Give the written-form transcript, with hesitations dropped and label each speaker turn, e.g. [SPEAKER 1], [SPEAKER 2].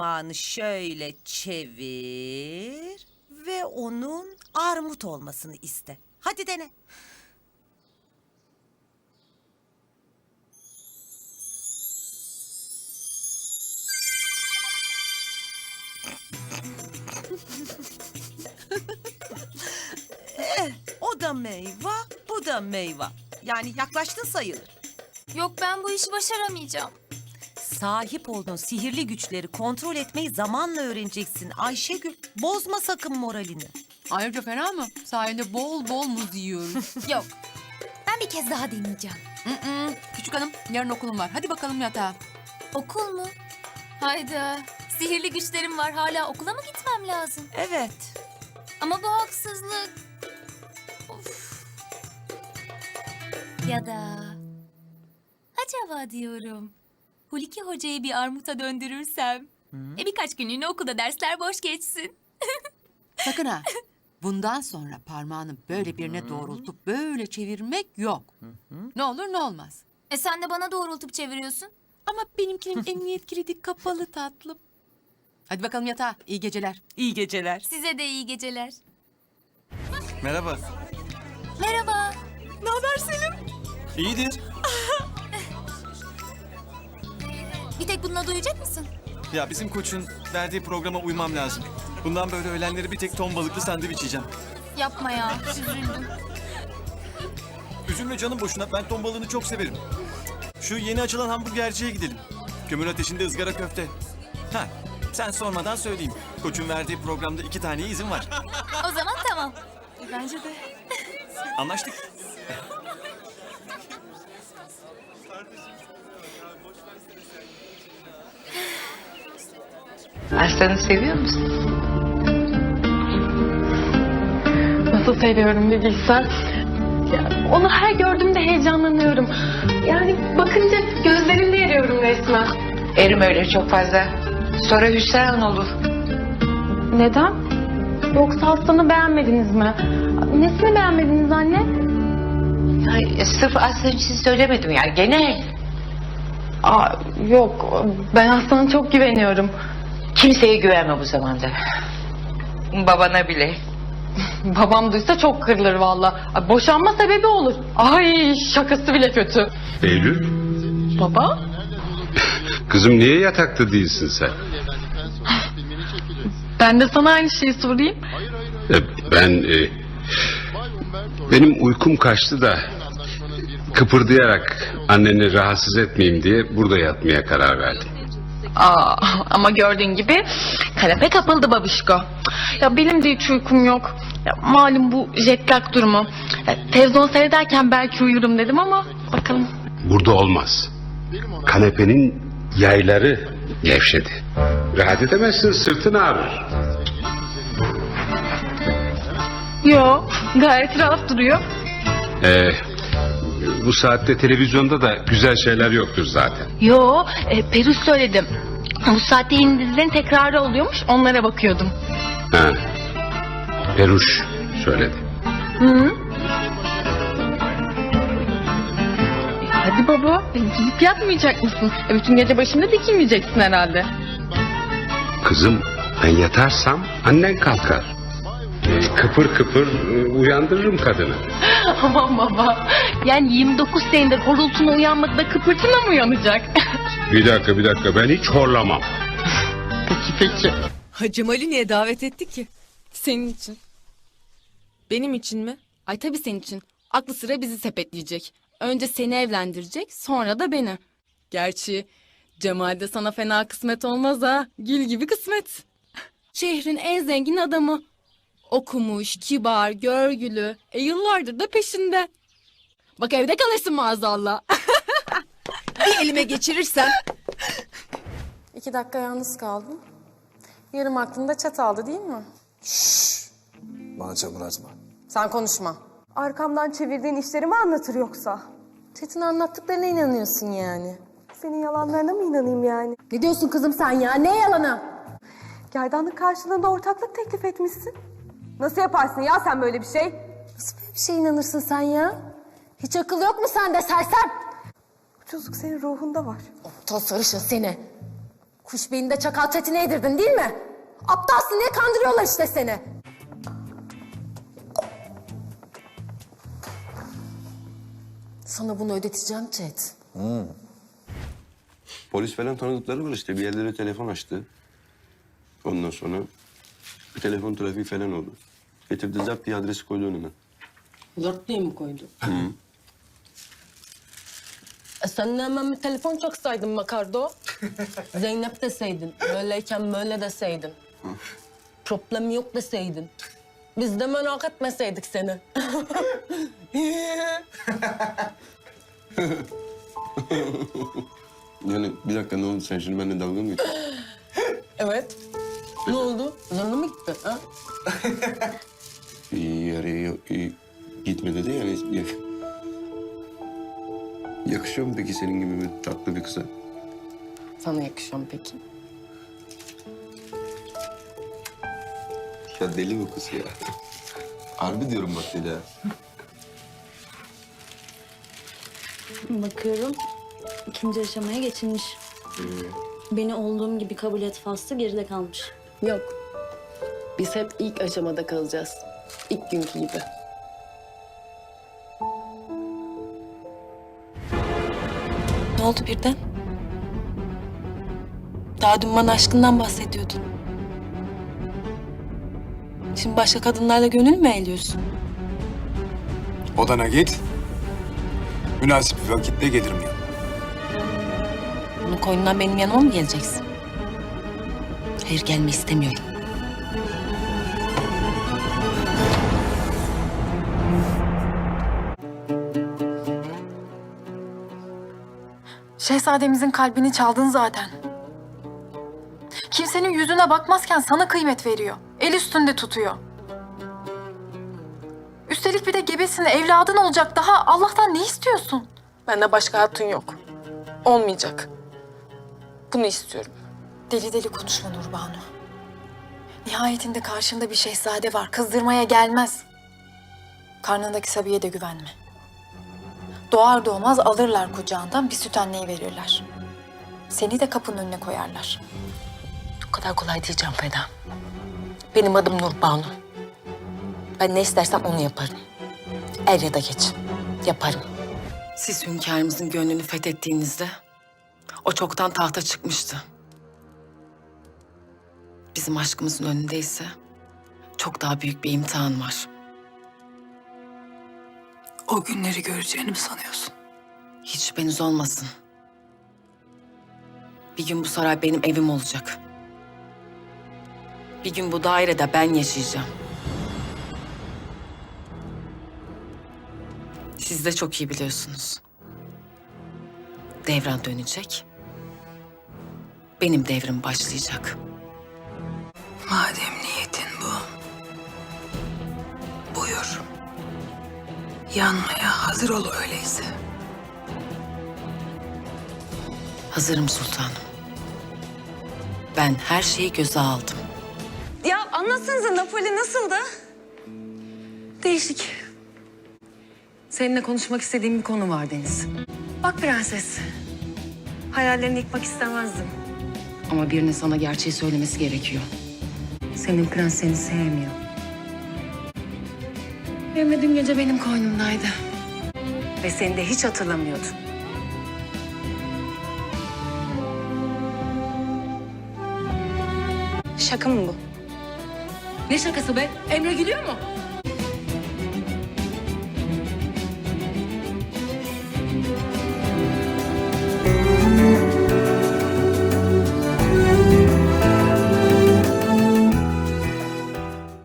[SPEAKER 1] parmağını şöyle çevir ve onun armut olmasını iste. Hadi dene. O da meyve, bu da meyve. Yani yaklaştın sayılır.
[SPEAKER 2] Yok, ben bu işi başaramayacağım.
[SPEAKER 1] Sahip olduğun sihirli güçleri kontrol etmeyi zamanla öğreneceksin Ayşegül. Bozma sakın moralini.
[SPEAKER 3] Ayrıca fena mı? Sahilde bol bol muz yiyoruz.
[SPEAKER 2] Yok. Ben bir kez daha deneyeceğim.
[SPEAKER 3] Küçük hanım, yarın okulum var. Hadi bakalım yatağa.
[SPEAKER 2] Okul mu? Hayda. Sihirli güçlerim var. Hala okula mı gitmem lazım?
[SPEAKER 1] Evet.
[SPEAKER 2] Ama bu haksızlık. Of. Ya da... Acaba diyorum... Huliki Hoca'yı bir armuta döndürürsem... birkaç günlüğüne okulda dersler boş geçsin.
[SPEAKER 3] Sakın ha. Bundan sonra parmağını böyle birine doğrultup böyle çevirmek yok. Ne olur ne olmaz.
[SPEAKER 2] Sen de bana doğrultup çeviriyorsun.
[SPEAKER 3] Ama benimkinin emniyet kilidi kapalı tatlım. Hadi bakalım yatağa. İyi geceler.
[SPEAKER 1] İyi geceler.
[SPEAKER 2] Size de iyi geceler.
[SPEAKER 4] Merhaba.
[SPEAKER 2] Merhaba.
[SPEAKER 1] Ne haber Selim?
[SPEAKER 4] İyidir.
[SPEAKER 2] Bir tek bununla duyacak mısın?
[SPEAKER 4] Ya bizim koçun verdiği programa uymam lazım. Bundan böyle öğlenleri bir tek ton balıklı sandviç yiyeceğim.
[SPEAKER 2] Yapma ya. Üzüldüm.
[SPEAKER 4] Üzülme canım boşuna. Ben ton balığını çok severim. Şu yeni açılan hamburgerciye gidelim. Kömür ateşinde ızgara köfte. Ha, sen sormadan söyleyeyim. Koçun verdiği programda 2 tane izin var.
[SPEAKER 2] O zaman tamam.
[SPEAKER 1] Bence de.
[SPEAKER 4] Anlaştık.
[SPEAKER 5] Aslanı seviyor musun?
[SPEAKER 6] Nasıl seviyorum bir bilsen. Ya, onu her gördüğümde heyecanlanıyorum. Yani bakınca gözlerimde eriyorum resmen.
[SPEAKER 5] Erim öyle çok fazla. Sonra hüsran olur.
[SPEAKER 6] Neden? Yoksa Aslan'ı beğenmediniz mi? Nesini beğenmediniz anne?
[SPEAKER 5] Ay, sırf Aslan için söylemedim ya. Genel.
[SPEAKER 6] Aa, yok, ben Aslan'a çok güveniyorum.
[SPEAKER 5] Kimseye güvenme bu zamanda. Babana bile.
[SPEAKER 6] Babam duysa çok kırılır valla. Boşanma sebebi olur. Ay, şakası bile kötü.
[SPEAKER 7] Eylül,
[SPEAKER 6] Baba?
[SPEAKER 7] kızım niye yatakta değilsin sen?
[SPEAKER 6] Ben de sana aynı şeyi sorayım.
[SPEAKER 7] Benim uykum kaçtı da kıpırdayarak anneni rahatsız etmeyeyim diye burada yatmaya karar verdim.
[SPEAKER 6] Aa, ama gördüğün gibi kanepe kapıldı babişko. Ya benim de hiç uykum yok. Ya malum bu jet lag durumu. Ya, televizyon seyrederken belki uyurum dedim ama bakalım.
[SPEAKER 7] Burada olmaz. Kanepenin yayları gevşedi. Rahat edemezsin, sırtın ağrır.
[SPEAKER 6] Yo, gayet rahat duruyor.
[SPEAKER 7] Bu saatte televizyonda da güzel şeyler yoktur zaten.
[SPEAKER 6] Yo, Perus söyledim. Bu saatte yeni dizilerin tekrarı oluyormuş, onlara bakıyordum.
[SPEAKER 7] Ha. Peruş söyledi.
[SPEAKER 6] Hı? Hadi baba, gidip yatmayacak mısın? Bütün gece başında dikilmeyeceksin herhalde.
[SPEAKER 7] Kızım ben yatarsam annen kalkar. Kıpır kıpır uyandırırım kadını.
[SPEAKER 6] Aman baba, yani 29 senedir horultuna uyanmadı da kıpırtına mı uyanacak?
[SPEAKER 7] Bir dakika ben hiç horlamam.
[SPEAKER 6] Peki.
[SPEAKER 8] Hacı Ali niye davet etti ki?
[SPEAKER 9] Senin için. Benim için mi? Ay tabii senin için. Aklı sıra bizi sepetleyecek. Önce seni evlendirecek, sonra da beni. Gerçi Cemal de sana fena kısmet olmaz ha. Gül gibi kısmet. Şehrin en zengin adamı. Okumuş, kibar, görgülü. Yıllardır da peşinde. Bak evde kalırsın maazallah.
[SPEAKER 8] Bir elime geçirirsem.
[SPEAKER 6] 2 dakika yalnız kaldım. Yarım aklımda çataldı değil mi?
[SPEAKER 10] Bana çamur atma.
[SPEAKER 6] Sen konuşma.
[SPEAKER 11] Arkamdan çevirdiğin işleri mi anlatır yoksa?
[SPEAKER 6] Çetin anlattıklarına inanıyorsun yani.
[SPEAKER 11] Senin yalanlarına mı inanayım yani?
[SPEAKER 6] Ne diyorsun kızım sen ya? Ne yalanı?
[SPEAKER 11] Gerdanlık karşılığında ortaklık teklif etmişsin. Nasıl yaparsın ya sen böyle bir şey?
[SPEAKER 6] Nasıl böyle bir şeye inanırsın sen ya? Hiç akıl yok mu sende sersem?
[SPEAKER 11] Ucuzluk senin ruhunda var.
[SPEAKER 6] Toz sarışın seni.
[SPEAKER 11] Kuş beyinde çakal çetine yedirdin değil mi? Aptalsın diye kandırıyorlar işte seni. Sana bunu ödeteceğim Çet.
[SPEAKER 12] Polis falan tanıdıkları var işte. Bir yerlere telefon açtı. Ondan sonra bir telefon trafiği falan oldu. Getirdi zap diye adresi koydu önüme.
[SPEAKER 9] Zart diye mi koydu?
[SPEAKER 12] Hı.
[SPEAKER 9] Sen de hemen bir telefon çaksaydın Makardo. Zeynep deseydin. Böyleyken böyle deseydin. Problem yok deseydin. Biz de merak etmeseydik seni.
[SPEAKER 12] Yani bir dakika ne oldu? Sen şimdi benimle dalga mı geçiyorsun?
[SPEAKER 9] Evet. Ne oldu? Zoruna mı gitti? Ha?
[SPEAKER 12] Gitme dedi yani. Yakışıyor mu peki senin gibi bir tatlı bir kıza?
[SPEAKER 9] Sana yakışıyor mu peki?
[SPEAKER 12] Ya deli bu kız ya. Harbi diyorum bak deli ha.
[SPEAKER 13] Bakıyorum, ikinci aşamaya geçilmiş. Beni olduğum gibi kabul et faslı geride kalmış.
[SPEAKER 9] Yok. Biz hep ilk aşamada kalacağız. İlk günkü gibi. Ne oldu birden? Daha dün bana aşkından bahsediyordun. Şimdi başka kadınlarla gönül mü eğliyorsun?
[SPEAKER 10] Odana git. Münasip bir vakitte gelirim ya.
[SPEAKER 9] Bunun koynundan benim yanıma mı geleceksin? Hayır, gelme istemiyorum.
[SPEAKER 6] Şehzademizin kalbini çaldın zaten. Kimsenin yüzüne bakmazken sana kıymet veriyor. El üstünde tutuyor. Üstelik bir de gebesin, evladın olacak. Daha Allah'tan ne istiyorsun?
[SPEAKER 9] Bende başka hatun yok. Olmayacak. Bunu istiyorum.
[SPEAKER 6] Deli deli konuşma Nurbanu. Nihayetinde karşında bir şehzade var. Kızdırmaya gelmez. Karnındaki Sabiye de güvenme. Doğar doğmaz alırlar kucağından, bir süt anneyi verirler. Seni de kapının önüne koyarlar.
[SPEAKER 9] O kadar kolay değil Can Feda. Benim adım Nurbanu. Ben ne istersem onu yaparım. Er ya da geç. Yaparım. Siz hünkârımızın gönlünü fethettiğinizde o çoktan tahta çıkmıştı. Bizim aşkımızın önünde ise çok daha büyük bir imtihan var.
[SPEAKER 6] O günleri göreceğini mi sanıyorsun?
[SPEAKER 9] Hiç şüpheniz olmasın. Bir gün bu saray benim evim olacak. Bir gün bu dairede ben yaşayacağım. Siz de çok iyi biliyorsunuz. Devran dönecek. Benim devrim başlayacak.
[SPEAKER 6] Madem niyetin bu, buyur. Yanmaya hazır ol öyleyse.
[SPEAKER 9] Hazırım sultanım. Ben her şeyi göze aldım.
[SPEAKER 11] Ya anlatsanıza Napoli nasıldı?
[SPEAKER 9] Değişik. Seninle konuşmak istediğim bir konu var Deniz.
[SPEAKER 11] Bak prenses. Hayallerini yıkmak istemezdim.
[SPEAKER 9] Ama birinin sana gerçeği söylemesi gerekiyor. Senin prens seni sevmiyor. Emre dün gece benim koynumdaydı. Ve seni de hiç hatırlamıyordu.
[SPEAKER 11] Şaka mı bu?
[SPEAKER 9] Ne şakası be? Emre gülüyor mu?